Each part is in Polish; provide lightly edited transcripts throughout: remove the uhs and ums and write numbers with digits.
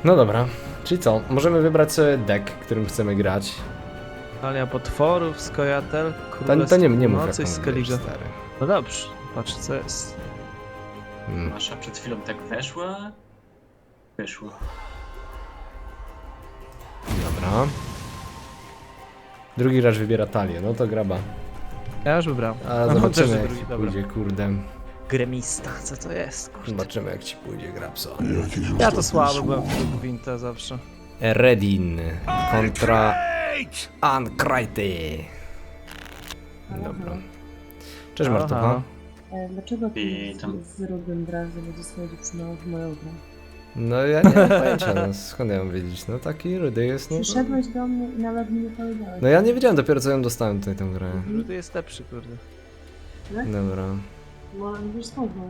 No dobra, czyli co? Możemy wybrać sobie deck, którym chcemy grać. Talia potworów, Skojatel, To Królestwo nie mów Północy i jaką Skellige. stary. No dobrze, patrz co jest. Wasza przed chwilą tak weszła? Wyszła. Dobra. Drugi raz wybiera talię, no to graba. Ja już wybrałem. A No, zobaczymy też jak drugi, ci dobra. pójdzie, kurde. Gremista, co to jest? Kurde. Zobaczymy jak ci pójdzie, Grabso. Ja to słaby byłem w Gwinta zawsze. Redin kontra Ankrajty. Dobra. Cześć Halo, Martucha. halo. Dlaczego ty I tam- z Rubem Brazem będzie swoją dziewczyną w moją grę? No ja nie mam pojęcia, no skąd ja mam wiedzieć? No taki rudy jest, no. Przyszedłeś do mnie i nawet mi nie powiedziałeś. No ja nie wiedziałem, dopiero co ją dostałem tutaj tę grę. Rudy jest lepszy, kurde. Dobra, Bo wiesz skąd mam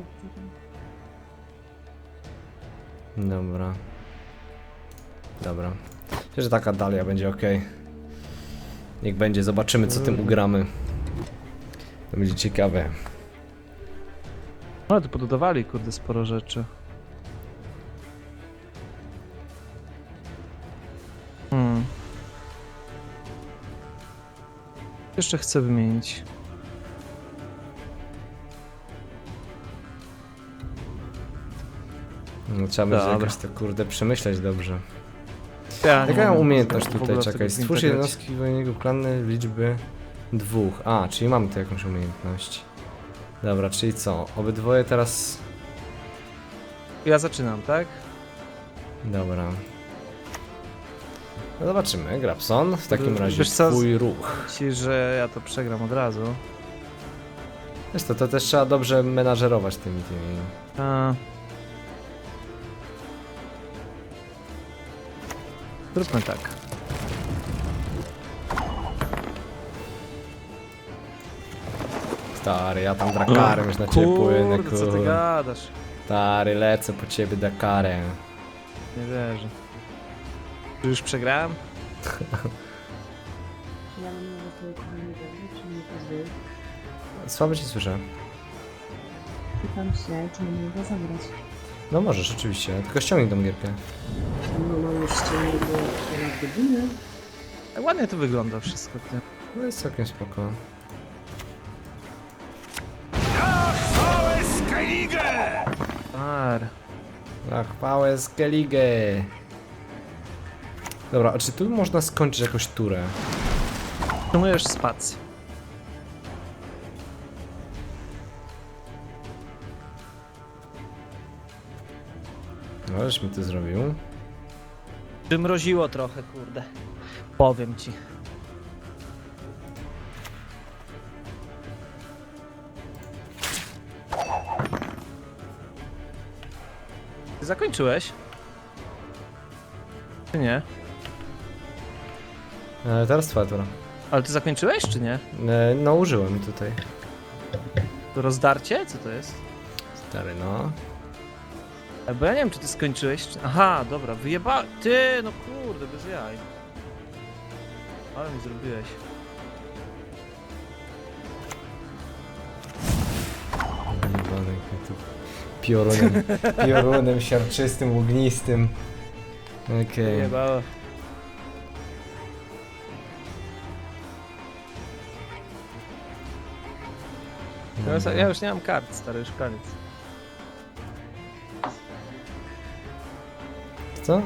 dobra. Dobra. Myślę, że taka dalia będzie ok. Niech będzie, zobaczymy co tym ugramy. To będzie ciekawe. No tu pododawali, kurde, sporo rzeczy. Jeszcze chcę wymienić. No, trzeba będzie Dobra. jakoś to kurde przemyśleć dobrze. Ja Jaka nie mam wiem, umiejętność w tutaj, ogóle w czekaj. tego Stwórz Gwinta jednostki wojnego klany liczby 2. A, czyli mamy tu jakąś umiejętność. Dobra, czyli co? Obydwoje teraz... grać. Ja zaczynam, tak? Dobra. No zobaczymy, Grabson. W takim Wiesz razie co, twój ruch. Ci, że ja to przegram od razu. Wiesz to też trzeba dobrze menażerować tymi. A... Zróbmy tak. Stary, ja tam Drakarem już na ciebie płynę, Kurde, co ty kurde. gadasz? Stary, lecę po ciebie Drakarem. Nie wierzę. Czy już przegrałem? Ja mam może twoje kochanie dobrze, czy nie pozwolisz? Słabo ci słyszę. Pytam się, czy mam go zagrać. No możesz, oczywiście, tylko ściągnij tą gierkę. No mam już ściągnąć do ponad godziny. Ładnie to wygląda wszystko. Ty. No jest całkiem spoko. Ar. Tak, chwałę Skellige. Dobra, a czy tu można skończyć jakąś turę? Przyjmujesz spację. No, żeś mi to zrobił. Przymroziło trochę, kurde. Powiem ci. Ty zakończyłeś? Czy nie? Teraz twoja tura. Ale ty zakończyłeś, czy nie? No, użyłem tutaj. To rozdarcie? Co to jest? Stary, no. Bo ja nie wiem, czy ty skończyłeś, czy... Aha, dobra, wyjeba... Ty, no kurde, bez jaj. Ale mi zrobiłeś. Jebany, tu piorunem, piorunem siarczystym, ognistym. Okej. Wyjebało. Ja już nie mam kart, stary, już koniec. Co?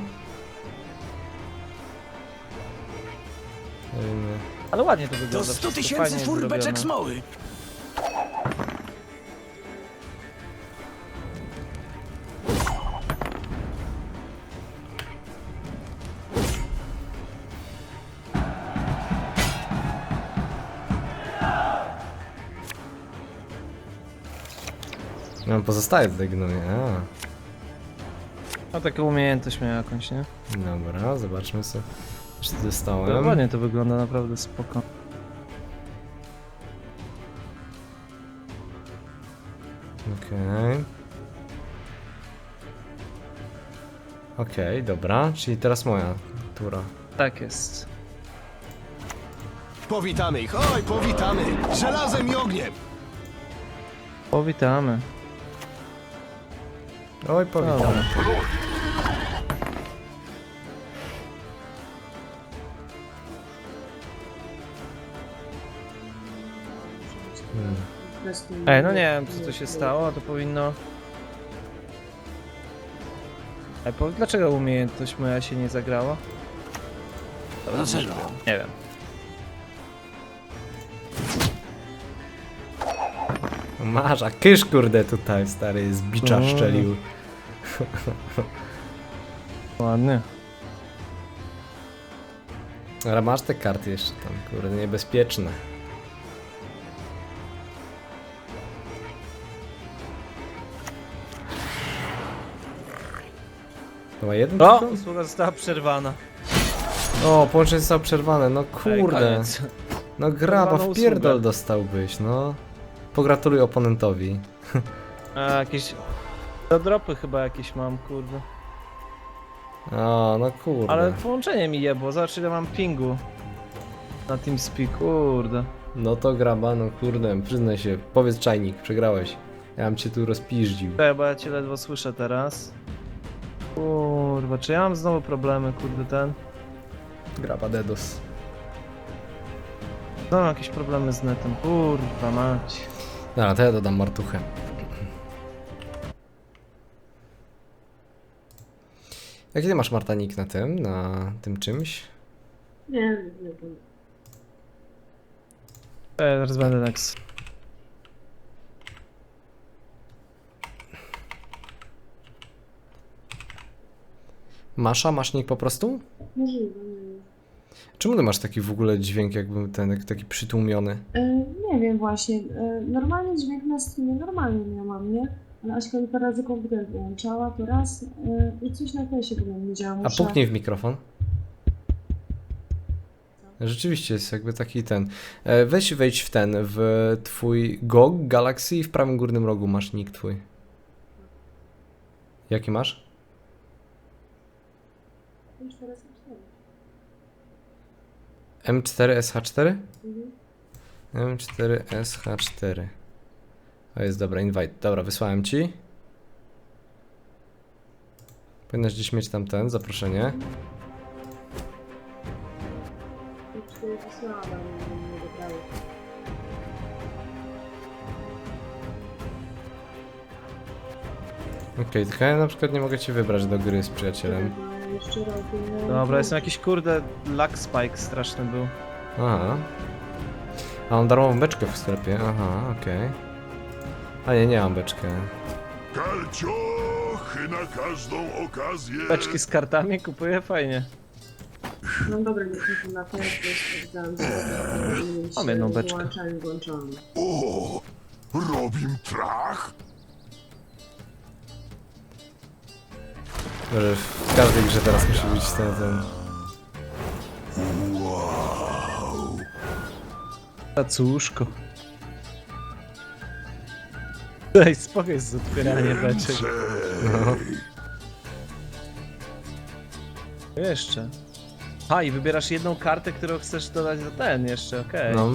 Nie wiem, Ale ładnie to wygląda. To 100 wszystko tysięcy fajnie fur zrobione. beczek smoły. no pozostaje tutaj gnoje. A, No taką umiejętność miał jakąś, nie? dobra, zobaczmy co. Czy To dostałem? ładnie to wygląda, naprawdę spoko. Okej. Okej, dobra, czyli teraz moja tura. Tak jest. Powitamy ich, oj, powitamy! Żelazem i ogniem! Powitamy. Oj, powitam. Dobra. Po prostu Ej, no nie wiem co tu się stało, to powinno... Ej, dlaczego umiejętność moja się nie zagrała? Dlaczego? Nie wiem. Masz, a kysz kurde tutaj, stary, z bicza szczelił. Ładnie. Ale masz te karty jeszcze tam, kurde, niebezpieczne. To ma jeden O! tylko? Usługa została przerwana. O, połączenie zostało przerwane, no Ej, kurde. koniec. No graba, Przerwaną w pierdol usługę. dostałbyś, no. Pogratuluj oponentowi. A, jakieś... Do dropy chyba jakieś mam, kurde. O, no kurde. Ale połączenie mi jebło, zobacz ile mam pingu. Na TeamSpeak, kurde. No to graba, no kurde, przyznaj się, powiedz czajnik, przegrałeś. Ja bym cię tu rozpiździł. Czekaj, bo ja cię ledwo słyszę teraz. Kurwa, czy ja mam znowu problemy, kurde, ten? Graba dedos. Znowu mam jakieś problemy z netem, kurwa mać. Dobra, to ja dodam martuchę. Jaki ty masz Martanik na tym czymś? Nie, nie wiem. Zaraz będę next. Masza? Masz nick po prostu? Możliwe, nie wiem. Czemu ty masz taki w ogóle dźwięk jakby ten, taki przytłumiony? Nie wiem właśnie. Normalnie dźwięk na streamie normalnie miałam, nie? Ale Aśka mi parę razy komputer wyłączała, to raz i coś na tesie nie działa. A puknij w mikrofon. Rzeczywiście jest jakby taki ten. Wejdź w ten, w twój GOG Galaxy i w prawym górnym rogu masz nick twój. Jaki masz? Już teraz mam 4. M4SH4? Mhm. M4SH4. To jest dobra, invite. Dobra, wysłałem ci. Powinnaś gdzieś mieć tam ten, zaproszenie. Już 4 wysłałam, ale nie dobrały. Okej, tylko ja na przykład nie mogę cię wybrać do gry z przyjacielem. Ale jeszcze robię... Dobra, jestem jakiś kurde lag spike straszny był. Aha. A mam darmową beczkę w sklepie, aha, okej. A nie mam beczkę. Kalciochy na każdą okazję. Beczki z kartami kupuję, fajnie. No dobra, nie chcę na teraz, bo sprawdzałam, że Mam jedną beczkę. włączony. O, robim trach. Może w każdej grze teraz musi być ten. Wow. Cacuszko. Daj spokój z otwieranie beczek. No. Jeszcze. A i wybierasz jedną kartę, którą chcesz dodać do ten jeszcze, okej. No.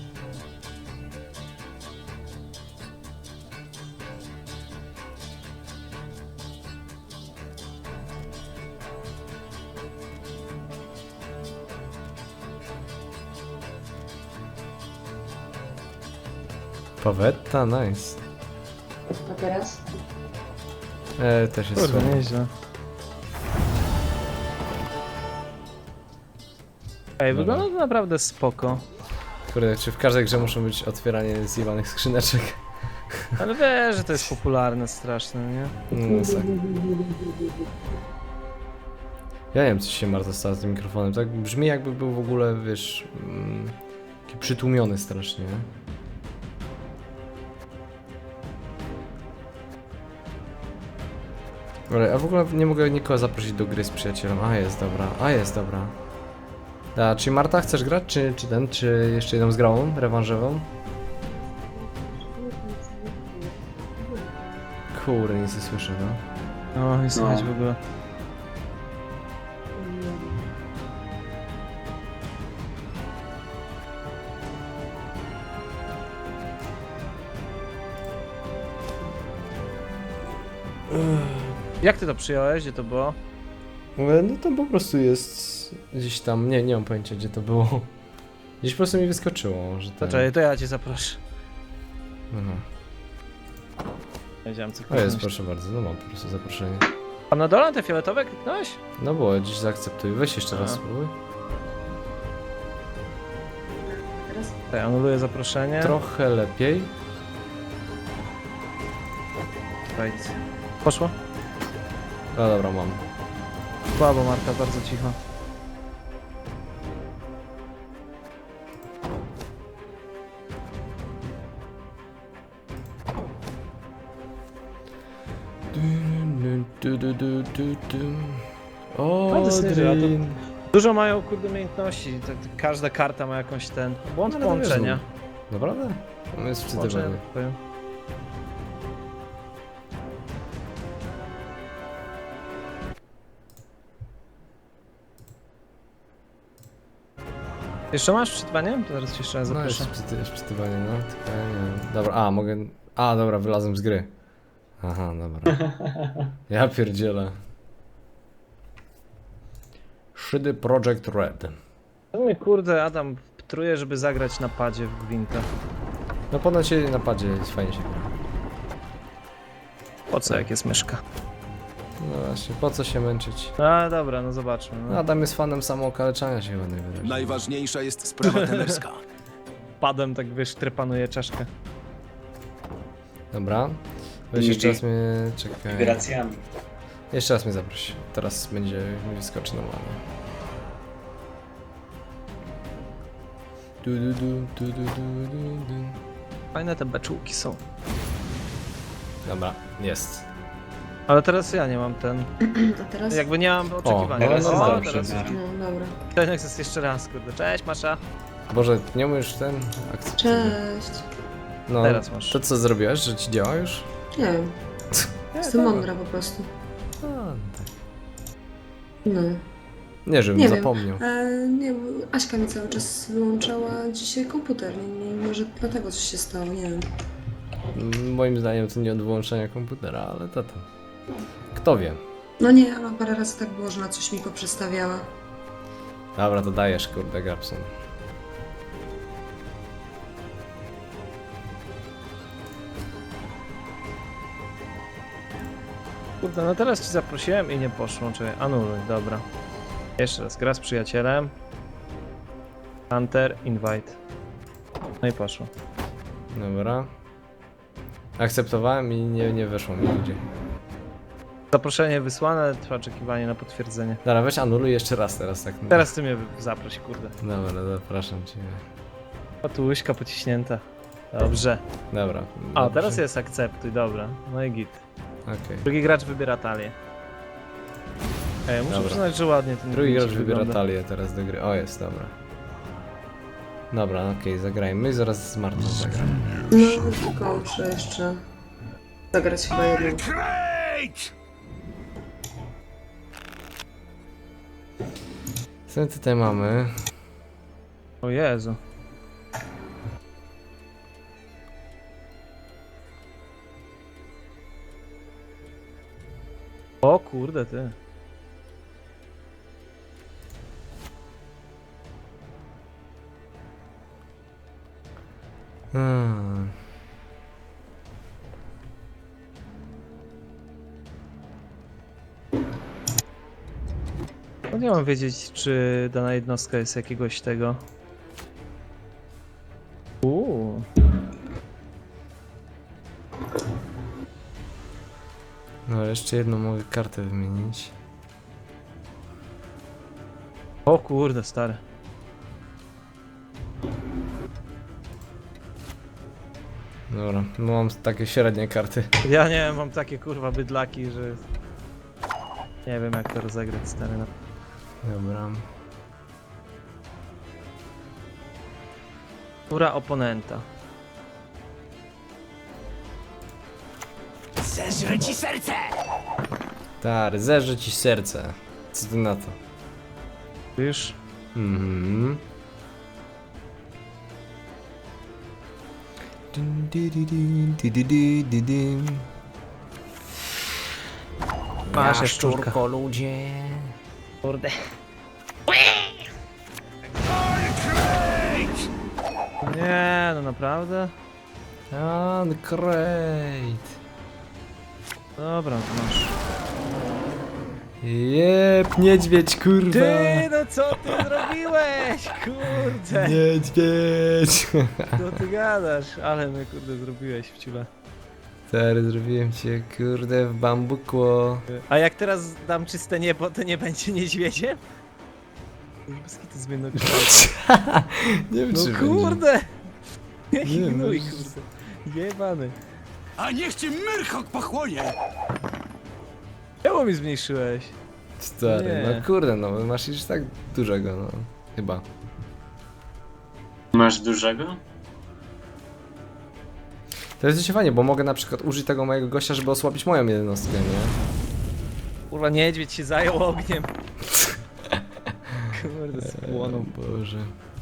Pawetta, nice. A teraz? Też jest Kurde, słabo. nieźle. Ej, Dobra. wygląda to naprawdę spoko. Kurde, czy w każdej grze muszą być otwieranie zjebanych skrzyneczek? Ale wiesz, że to jest popularne strasznie, nie? No, tak. Ja nie wiem, co się Marta stało z tym mikrofonem. Tak brzmi jakby był w ogóle, wiesz, taki przytłumiony strasznie. Ale ja w ogóle nie mogę nikogo zaprosić do gry z przyjacielem. A jest dobra. A, czy Marta chcesz grać, czy jeszcze jedną z grałą, rewanżową? Kurde, nic nie słyszę, no. No, nie słychać w ogóle. Jak ty to przyjąłeś? Gdzie to było? No to po prostu jest gdzieś tam, nie mam pojęcia gdzie to było. Gdzieś po prostu mi wyskoczyło, że To ten... czekaj, to ja cię zaproszę. Aha. Wiedziałem co O jest, kliknąć. proszę bardzo, no mam po prostu zaproszenie. A na dole te fioletowe kliknąłeś? No było, dziś zaakceptuj. Weź jeszcze raz A. spróbuj. Teraz Tak, anuluję zaproszenie. Trochę lepiej. Right. Poszło? No dobra, mam. Słabo, Marta, bardzo cicho. O, No, to jest nieźle, a to- Drin. Dużo mają, kurde, umiejętności. Każda karta ma jakąś ten... Błąd No, ale to wiesz, połączenia. Naprawdę? On jest Połączenia wczytywany. powiem. Jeszcze masz wczytywanie? To zaraz ci jeszcze raz No zaproszę. jest wczytywanie, no. Tylko ja nie wiem. Dobra, a mogę... A, dobra, wylazłem z gry. Aha, dobra. Ja pierdzielę. Szydy Project Red. To mnie, kurde, Adam truje, żeby zagrać na padzie w Gwinta. No ponoć się na padzie fajnie się gra. Po co, jak jest myszka? No właśnie, po co się męczyć? A, dobra, no zobaczmy. No. Adam jest fanem samookaleczania się chyba najwyraźniej. Najważniejsza jest sprawa tenerska. Padem tak, wiesz, trepanuje czaszkę. Dobra. Weź jeszcze raz mnie... Czekaj. Wibracjami. Jeszcze raz mnie zaproś. Teraz będzie mi wyskoczy normalnie. Du. Fajne te beczułki są. Dobra, jest. Ale teraz ja nie mam ten... a teraz? Jakby nie mam oczekiwania. teraz no, jest o, dobrze. teraz No dobra. ten jest jeszcze raz, kurde. Cześć, Masza. Boże, nie umiesz ten akceptować. Cześć. No, Teraz masz. to co zrobiłaś, że ci działa już? Nie wiem, jestem mądra po prostu. A, tak. No. Nie, żebym Nie wiem. zapomniał. Nie, bo Aśka mi cały czas wyłączała dzisiaj komputer. Może dlatego coś się stało, nie wiem. Moim zdaniem to nie od wyłączenia komputera, ale to tam. Kto wie. No nie, ale parę razy tak było, że na coś mi poprzestawiała. Dobra, to dajesz, kurde, Gapson. Kurde, no teraz ci zaprosiłem i nie poszło. Czekaj, anuluj, dobra. Jeszcze raz, gra z przyjacielem. Hunter, invite. No i poszło. Dobra. Akceptowałem i nie weszło mi nigdzie. Zaproszenie wysłane, trwa oczekiwanie na potwierdzenie. Dobra, weź anuluj jeszcze raz teraz tak. Teraz ty mnie zaproś, kurde. Dobra, zapraszam cię. O, tu łyżka pociśnięta. Dobrze. Dobra. A, dobrze. teraz jest akceptuj, dobra. No i git. Okej. Drugi gracz wybiera talię. Ej, muszę Dobra. przyznać, że ładnie ten Drugi gracz guzik wybiera wygląda. talię teraz do gry. O, jest, dobra. Dobra, okej, zagrajmy i zaraz z Martą zagram. No, tylko muszę jeszcze zagrać chyba jedną. Krejt! Co my tutaj mamy? O Jezu. O kurde, ty. Hmm. No nie mam wiedzieć, czy dana jednostka jest jakiegoś tego. No, ale jeszcze jedną mogę kartę wymienić. O kurde, stary. Dobra, no mam takie średnie karty. Ja nie wiem, mam takie kurwa bydlaki, że... Nie wiem jak to rozegrać, stary. No. Dobra. Tura oponenta. Zeżrę ci serce! Tak, zeżrę ci serce. Co ty na to? Już? Mhm. Dun, di, di, di, di, di, di, di. Masz jaszczurka. ludzie. Kurde. Nie, no naprawdę? Uncrate. Dobra, to masz. Jep, niedźwiedź, kurwa. Ty, no co ty zrobiłeś? Kurde. Niedźwiedź. Co ty gadasz? Ale my kurde zrobiłeś w ciule. Stary, zrobiłem cię, kurde, w bambukło. A jak teraz dam czyste niebo, to nie będzie niedźwiedziem? To zmienno kształt. Nie wiem, No czy kurde! Jaki Nie, no, gnój, że- kurde. Jebany. A niech cię Myrchok pochłonie! Czemu mi zmniejszyłeś? Stary, Nie. no kurde, no masz już tak dużego, no. Chyba. Masz dużego? To jest dość fajnie, bo mogę na przykład użyć tego mojego gościa, żeby osłabić moją jednostkę, nie? Kurwa, niedźwiedź się zajął ogniem. Kurde, spłonął. O Boże.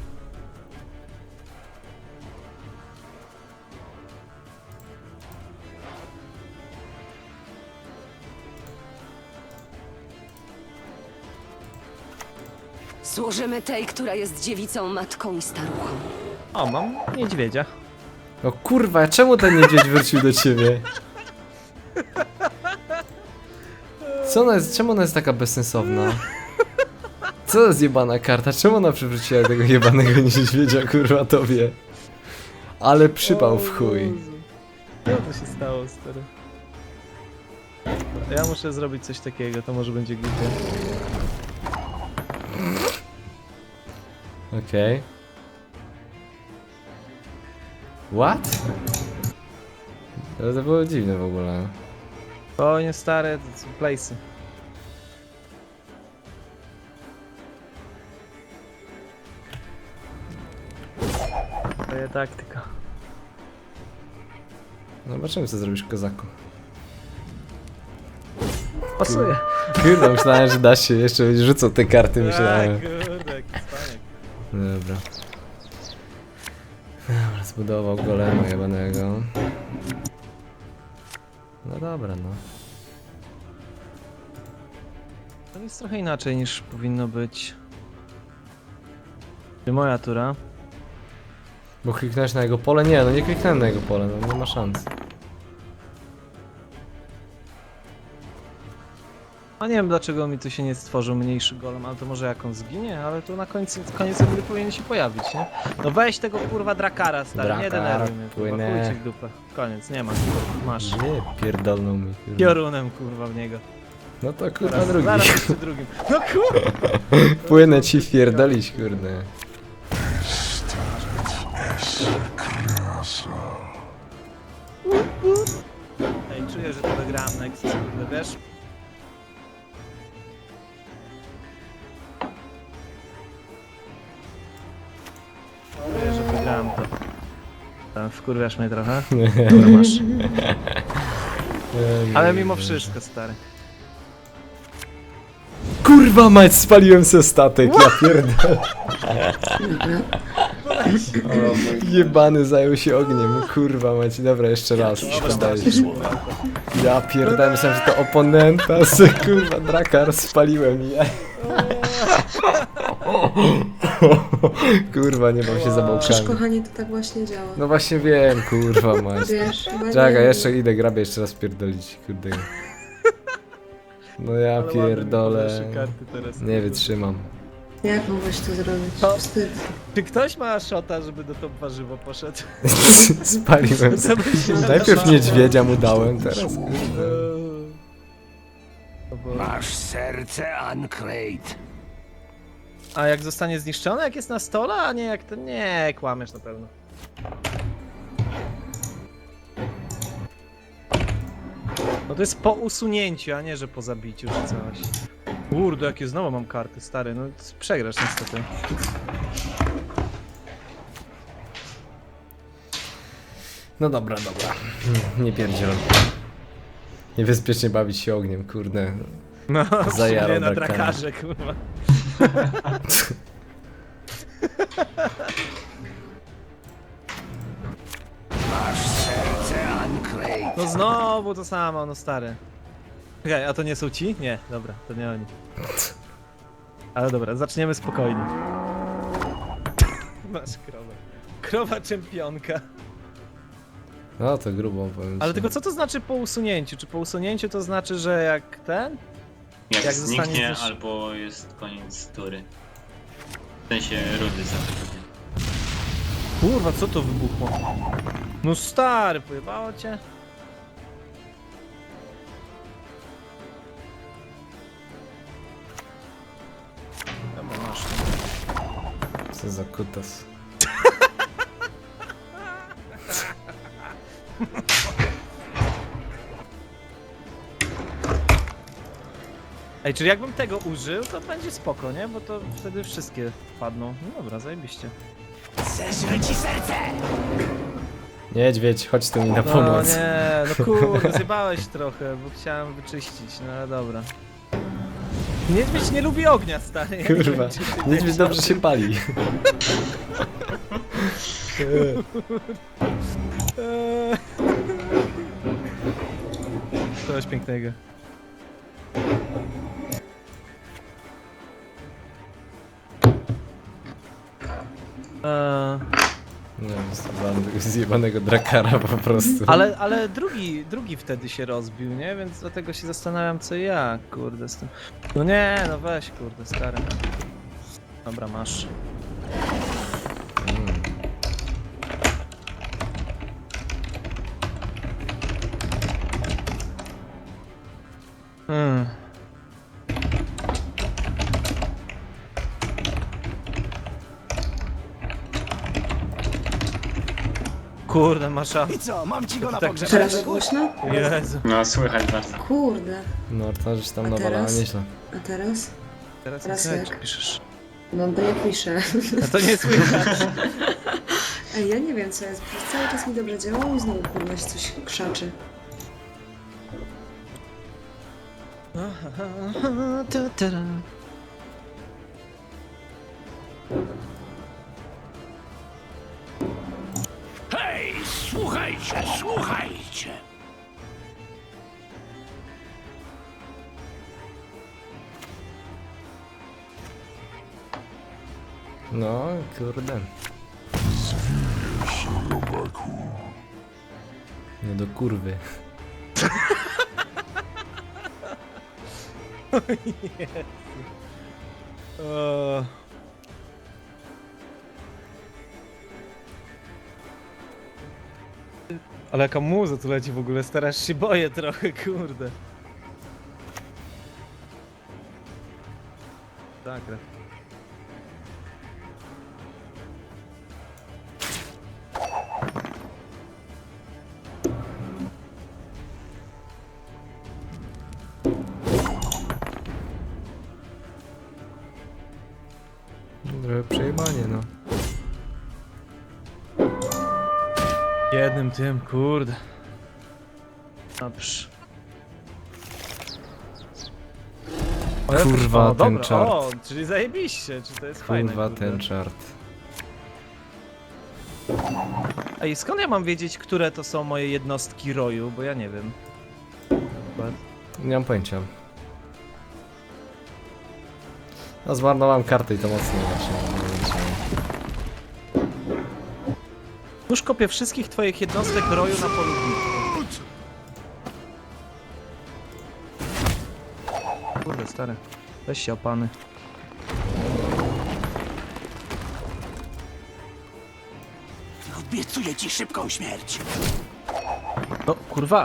Służymy tej, która jest dziewicą, matką i staruchą. O, mam niedźwiedzia. No kurwa, czemu ten niedźwiedź wrócił do ciebie? Co ona jest, czemu ona jest taka bezsensowna? Co to jest jebana karta? Czemu ona przywróciła tego jebanego niedźwiedzia, kurwa, tobie? Ale przypał w chuj. Co to się stało, stary? Ja muszę zrobić coś takiego, to może będzie głupie. Okej. What? Ale to było dziwne w ogóle. O, nie stare, to są place'y. Twoja taktyka. Zobaczymy, co zrobisz, kozaku. Pasuje. Kurde, myślałem, że da się jeszcze będzie rzucał te karty, myślałem. Kurde, jaki cwaniak. Dobra. Dobra, zbudował golema jebanego. No dobra, no. To jest trochę inaczej niż powinno być. Czy moja tura? Bo kliknąłeś na jego pole? Nie, no nie kliknąłem na jego pole, no nie ma szans. A nie wiem dlaczego mi tu się nie stworzył mniejszy golem, ale to może jak on zginie, ale tu na koniec gry powinien się pojawić, nie? No weź tego kurwa drakara, stary, nie Drakar, denerwuj mnie, kurwa, płynę. chuj ci w dupę. Koniec, nie ma, kurwa, masz. Nie, pierdolną mi, kurwa. Piorunem kurwa w niego. No to kurwa Zaraz, drugi. zaraz jeszcze drugim. No kurwa! Płynę ci wpierdolić, kurde. Ej, czuję, że to wygrałem next, kurde, wiesz? Czuję, że wygrałem to. Tam wkurwiasz mnie trochę. Dobra, masz. Ale mimo wszystko, stary. Kurwa mać, spaliłem se statek, ja pierdolę. Jebany zajął się ogniem, kurwa mać. Dobra, jeszcze raz, podajesz. Ja pierdolę, myślałem, że to oponenta, se kurwa drakar spaliłem ja. Kurwa, nie bał się za Przecież bałkami. kochanie, to tak właśnie działa. No właśnie wiem, kurwa mać. Wiesz, chyba Czekaj, nie- jeszcze idę, grabię jeszcze raz pierdolić, kurde. No ja Ale ładne mi pierdolę. podasz karty teraz. Nie wytrzymam. Jak mogłeś to zrobić? To- Wstyd. Czy ktoś ma szota, żeby do top warzywo poszedł? Spaliłem. Co by się Najpierw nadawało? niedźwiedzia mu dałem, teraz kurde. No bo- Masz serce, Uncrate. A jak zostanie zniszczone, jak jest na stole, a nie jak to... Nie, kłamiesz na pewno. No to jest po usunięciu, a nie, że po zabiciu czy coś. Kurde, jakie znowu mam karty, stary, no przegrasz niestety. No dobra, dobra. Nie pierdziel. Niebezpiecznie bawić się ogniem, kurde. No, Zajarał nie na drakara. drakarze, kurwa. Masz serce, Uncrate. No znowu to samo, no stary. Czekaj, a to nie są ci? Nie, dobra, to nie oni. Ale dobra, zaczniemy spokojnie. Masz krowę. Krowa czempionka. No to grubo powiem ci. Ale tylko co to znaczy po usunięciu? Czy po usunięciu to znaczy, że jak ten? Jak, Jak zostanie zniknie, coś- albo jest koniec tury. W sensie rundy zachodzenia. Kurwa, co to wybuchło? No stary, pojebało cię? Dobra, masz. Co za kutas. Ej, czyli jakbym tego użył, to będzie spoko, nie? Bo to wtedy wszystkie padną. No dobra, zajebiście. Zeżre ci serce! Niedźwiedź, chodź tu mi na No pomoc. nie, no kurde, zjebałeś trochę, bo chciałem wyczyścić, no ale dobra. Niedźwiedź nie lubi ognia, stary. Ja nie Kurwa, wiem, czy ty niedźwiedź wiesz dobrze o się tym. pali. Coś pięknego. Nie wiem, zjebałem tego zjebanego drakara po prostu. Ale drugi wtedy się rozbił, nie? Więc dlatego się zastanawiam co i jak, kurde, z tym. No nie, no weź, kurde, stary. Dobra, masz. Mm. Hmm. Kurde, masz I co, mam ci go na Tak, pogrzeb? Teraz za głośno? Jezu. No słychać bardzo. Kurde. No, to żeś tam A nawalała teraz? nieźle. A teraz? Teraz Teraz nie jak? piszesz. No bo ja piszę. No to nie słychać. Ej, ja nie wiem co jest. Przez cały czas mi dobrze działało i znowu kurwa się coś krzaczy. Hej, słuchajcie, słuchajcie! No, kurde. Nie do kurwy. O. Ale jaka muza tu leci w ogóle, starasz się boję trochę, kurde. Tak, tak. Trochę przejebanie, no. Jednym tym, kurde. Dobrze. Kurwa, O, ten dobra, czart. O, czyli zajebiście, czy to jest fajne, Kurwa, kurde. ten czart. Ej, skąd ja mam wiedzieć, które to są moje jednostki roju, bo ja nie wiem. Nie mam pojęcia. No, zmarnowałem kartę i to mocno właśnie. nie wiedziałem. Już kopię wszystkich twoich jednostek roju na polu bitwy. Kurde, stary. Weź się opany. Obiecuję ci szybką śmierć. No, kurwa.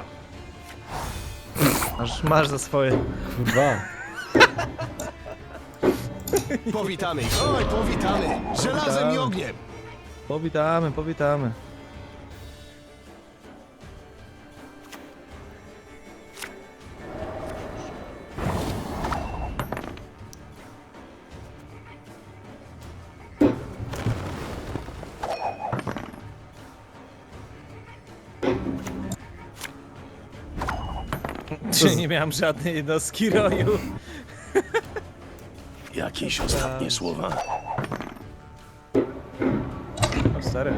Masz za swoje. Kurwa. Powitamy ich. Oj, powitamy. Żelazem i ogniem. Powitamy, powitamy. Czy nie miałem żadnej jednostki roju? Jakieś ostatnie słowa? O, stary.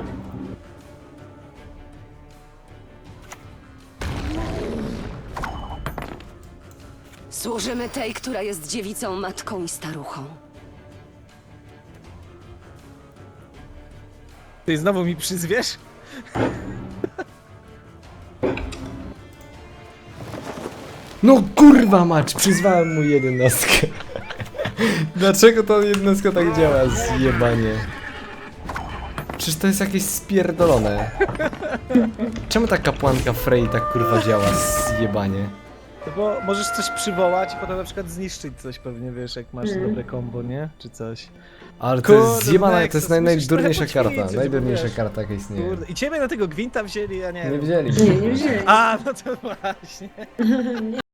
Służymy tej, która jest dziewicą, matką i staruchą. Ty znowu mi przyzwiesz? No kurwa mać, przyzwałem mu 11. Dlaczego ta 11 tak działa? Zjebanie. Przecież to jest jakieś spierdolone. Czemu ta kapłanka Frey tak kurwa działa? Zjebanie. No bo możesz coś przywołać i potem na przykład zniszczyć coś pewnie, wiesz, jak masz dobre combo, nie? Czy coś. Ale to Kurde, jest zjebana, to Nexus, jest musisz najdurniejsza trochę karta. poćwiczyć, bo Najdurniejsza wiesz. karta jaka istnieje. Kurde. I ciebie na tego gwinta wzięli, ja nie Nie wiem. wzięli. Nie, nie wzięli. A, no to właśnie.